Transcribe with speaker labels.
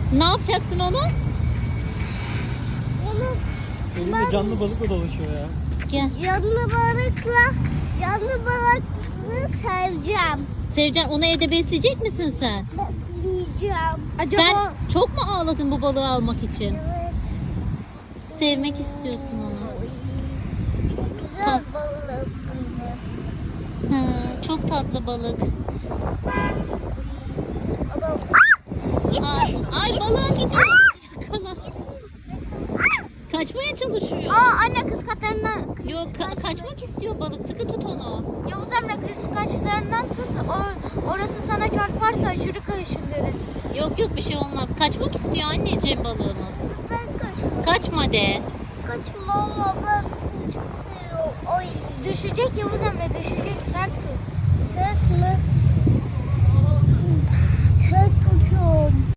Speaker 1: Ne yapacaksın onu?
Speaker 2: Elinde canlı balıkla dolaşıyor ya.
Speaker 1: Gel.
Speaker 3: Yanlı balıklı seveceğim.
Speaker 1: Sevcan, onu evde besleyecek misin sen?
Speaker 3: Besleyeceğim.
Speaker 1: Sen çok mu ağladın bu balığı almak için?
Speaker 3: Evet.
Speaker 1: Sevmek istiyorsun onu.
Speaker 3: Güzel balık.
Speaker 1: Ha, çok tatlı balık. Ay balığın gidiyor. Yakala. Kaçmaya çalışıyor.
Speaker 3: Anne kıskaçlarından
Speaker 1: Yok kaçmak istiyor balık. Sıkı tut onu.
Speaker 3: Yavuz Emre kıskaçlarından tut. Orası sana çarparsa aşırı kaşındırır.
Speaker 1: Yok bir şey olmaz. Kaçmak istiyor anneciğim balığımız.
Speaker 3: Ben kaçmam.
Speaker 1: Kaçma de.
Speaker 3: Kaçma ama ben seni çok seviyorum. Ay. Düşecek Yavuz Emre düşecek. Sert tut. Sert mi? Sert tutuyorum.